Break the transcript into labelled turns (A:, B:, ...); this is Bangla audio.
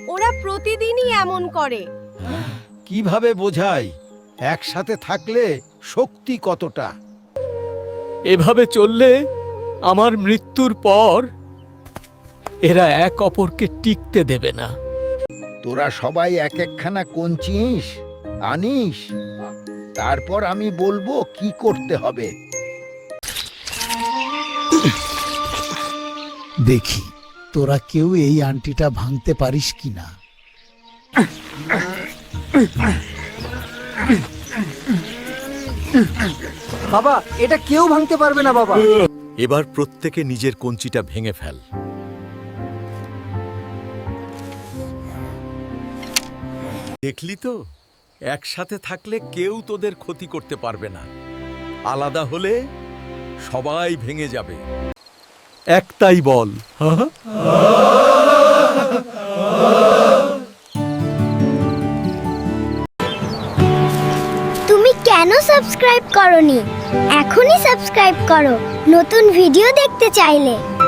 A: ওরা প্রতিদিনই এমন করে।
B: কিভাবে বোঝাই একসাথে থাকলে শক্তি কতটা?
C: এভাবে চললে আমার মৃত্যুর পর এরা এক অপরকে টিকতে দেবে না।
B: তোরা সবাই এক একখানা কঞ্চিস আনিস, তারপর আমি বলবো কি করতে হবে।
D: দেখি তোরা কেউ এই আংটিটা ভাঙতে পারিস কিনা।
E: বাবা, এটা কেউ ভাঙতে পারবে না বাবা।
C: এবার প্রত্যেকে নিজের কঞ্চিটা ভেঙে ফেল। দেখলি তো, একসাথে থাকলে কেউ তোদের ক্ষতি করতে পারবে না, আলাদা হলে সবাই ভেঙে যাবে। একটাই বল।
F: তুমি কেন সাবস্ক্রাইব করনি? এখনই সাবস্ক্রাইব করো নতুন ভিডিও দেখতে চাইলে।